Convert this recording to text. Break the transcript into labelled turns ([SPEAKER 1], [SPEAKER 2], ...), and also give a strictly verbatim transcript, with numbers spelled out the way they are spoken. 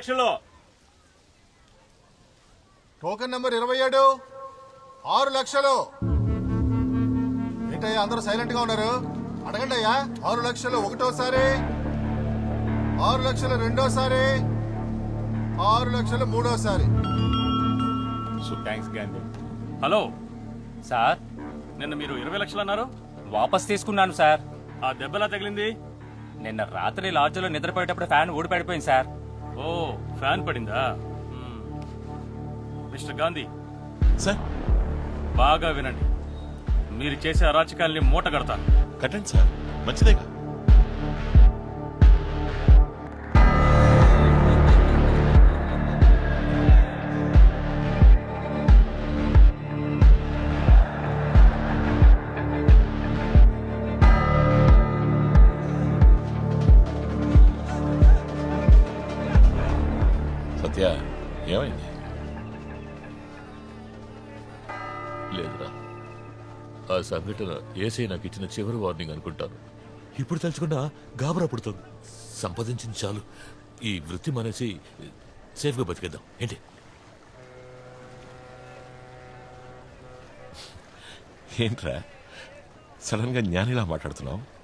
[SPEAKER 1] లక్షలు.
[SPEAKER 2] Token number ఇరవై ఏడు ఆరు లక్షలు. ఏంటయ్యా అందరూ సైలెంట్ గా ఉన్నారు? అడగండి అయ్యా. ఆరు లక్షలు ఒకటోసారి, ఆరు లక్షలు రెండోసారి, ఆరు లక్షలు మూడోసారి.
[SPEAKER 1] థ్యాంక్స్ గాంధీ. హలో
[SPEAKER 3] సార్,
[SPEAKER 1] నిన్న మీరు ఇరవై లక్షలు అన్నారు.
[SPEAKER 3] వాపస్ తీసుకున్నాను సార్.
[SPEAKER 1] ఆ దెబ్బలా తగిలింది?
[SPEAKER 3] నిన్న రాత్రి లాడ్జ్లో నిద్రపోయేటప్పుడు ఫ్యాన్ ఊడిపడిపోయింది సార్.
[SPEAKER 1] ఓ, ఫ్యాన్ పడిందా? మిస్టర్ గాంధీ
[SPEAKER 4] సార్,
[SPEAKER 1] బాగా వినండి. మీరు చేసే అరాచకాల్ని మూట కడతాను.
[SPEAKER 4] కట్టండి సార్, మంచిదేగా. సత్య, ఏమైంది?
[SPEAKER 5] లేదురా, ఆ సంఘటన ఏసై నాకు ఇచ్చిన చివరి వార్నింగ్ అనుకుంటాను. ఇప్పుడు తలుచుకున్నా గాబరా పుడుతుంది. సంపాదించింది చాలు, ఈ వృత్తి మానేసి సేఫ్గా బతికేద్దాం ఏంటి?
[SPEAKER 4] ఏంట్రా సడన్ గా జ్ఞానిలా మాట్లాడుతున్నావు?